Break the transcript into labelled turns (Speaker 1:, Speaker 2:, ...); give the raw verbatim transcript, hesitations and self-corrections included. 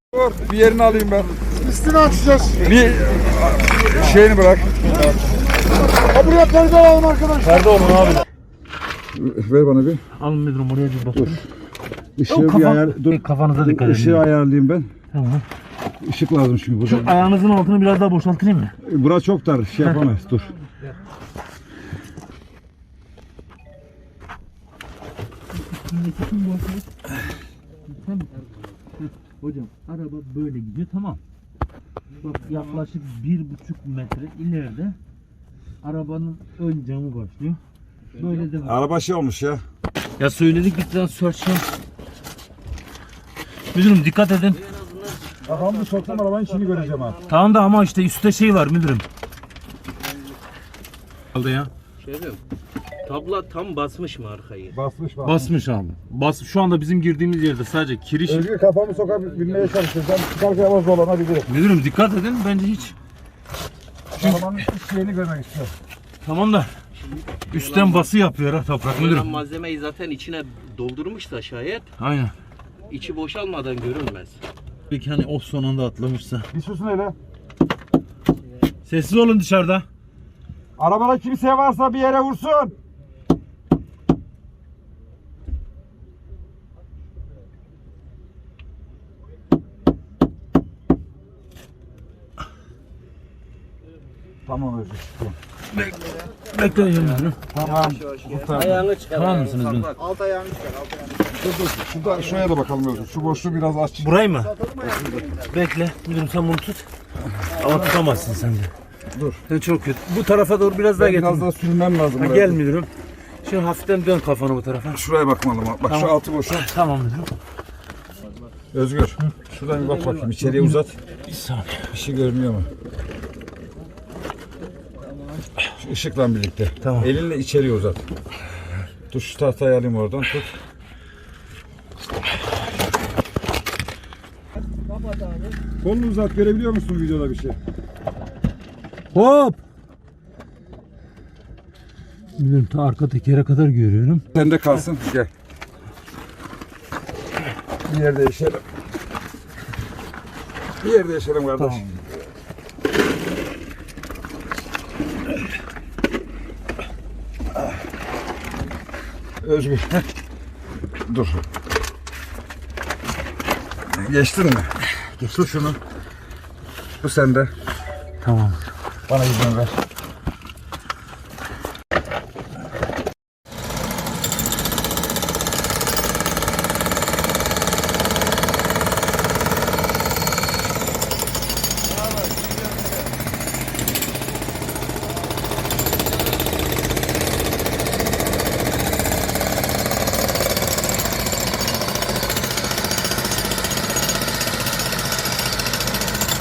Speaker 1: Dur, bir yerini alayım ben.
Speaker 2: Üstünü açacağız.
Speaker 1: Bir şeyini bırak.
Speaker 2: Ha buraya perde alalım arkadaşlar.
Speaker 3: Perde olun abi.
Speaker 1: Ver bana bir.
Speaker 3: Alın müdürüm oraya bir bakın.
Speaker 1: Işığı
Speaker 3: Kafa,
Speaker 1: bir ayar... Dur.
Speaker 3: Kafanıza dikkat edin.
Speaker 1: Işığı ayarlayayım ben.
Speaker 3: Tamam.
Speaker 1: Işık lazım çünkü burada.
Speaker 3: Şu ayağınızın altını biraz daha boşaltayım mı?
Speaker 1: Burası çok dar. Şey yapamayız. Dur.
Speaker 3: Hocam araba böyle gidiyor, tamam. Bak yaklaşık bir buçuk metre ileride arabanın ön camı başlıyor. Böyle de var.
Speaker 1: Araba şey olmuş ya.
Speaker 3: Ya söyledik bir tane search. Müdürüm dikkat edin.
Speaker 1: Kafamı soktum arabanın içini göreceğim ha.
Speaker 3: Tamam da ama işte üstte şey var müdürüm. Aldı ya.
Speaker 4: Şey diyorum. Tabla tam basmış mı arkayı?
Speaker 1: Basmış bak.
Speaker 3: Basmış abi. Bas şu anda bizim girdiğimiz yerde sadece kiriş.
Speaker 1: Özgür kafamı sokabilmeye çalışacağım. Çıkarken ama zorlanabilirim.
Speaker 3: Müdürüm dikkat edin, bence hiç.
Speaker 1: Arabanın iç şeyini görmek istiyorum.
Speaker 3: Tamam da üstten bası yapıyor ha toprak
Speaker 4: Müdürüm.
Speaker 3: müdürüm.
Speaker 4: Malzemeyi zaten içine doldurmuşsa şayet
Speaker 3: Aynen.
Speaker 4: içi boşalmadan görünmez.
Speaker 3: Peki hani of son anda atlamışsa.
Speaker 1: Bir susun hele.
Speaker 3: Sessiz olun dışarıda.
Speaker 1: Arabada kimse varsa bir yere vursun. Tamam Özgür.
Speaker 3: Bek Bekleyin müdürüm.
Speaker 1: Tamam.
Speaker 4: Ayağını çıkar.
Speaker 3: Tamam mısınız müdürüm?
Speaker 2: Alt ayağını çıkar. Alt ayağını çıkar.
Speaker 1: Dur dur. Şurada, şuraya da bakalım Özgür. Şu boşluğu biraz aç.
Speaker 3: Burayı mı? Bekle. Müdürüm sen bunu tut. Ama tutamazsın sen de.
Speaker 1: Dur.
Speaker 3: Sen çok kötü. Bu tarafa doğru biraz daha
Speaker 1: Ben
Speaker 3: getir.
Speaker 1: biraz daha sürmem lazım.
Speaker 3: Ha,
Speaker 1: buraya.
Speaker 3: gel müdürüm. Şöyle hafiften dön kafanı bu tarafa.
Speaker 1: Şuraya bakmalım. Bak
Speaker 3: Tamam.
Speaker 1: şu altı boş.
Speaker 3: Tamam müdürüm.
Speaker 1: Özgür. Şuradan bir bak bakayım. İçeriye uzat.
Speaker 3: Bir saniye.
Speaker 1: Bir şey görünüyor mu? Şu ışıkla birlikte.
Speaker 3: Tamam.
Speaker 1: Elinle içeriye uzat. Dur şu tahtayı alayım oradan. Tut. Kolunu uzat. Görebiliyor musun videoda bir şey?
Speaker 3: Hop. Müdürüm ta arka tekere kadar görüyorum.
Speaker 1: Sende kalsın. Gel. Bir yerde yaşayalım. Bir yerde yaşayalım kardeş.
Speaker 3: Tamam.
Speaker 1: Özgür. Dur. Geçtin mi? Tut şunu. Bu sende.
Speaker 3: Tamam.
Speaker 1: Bana izin ver.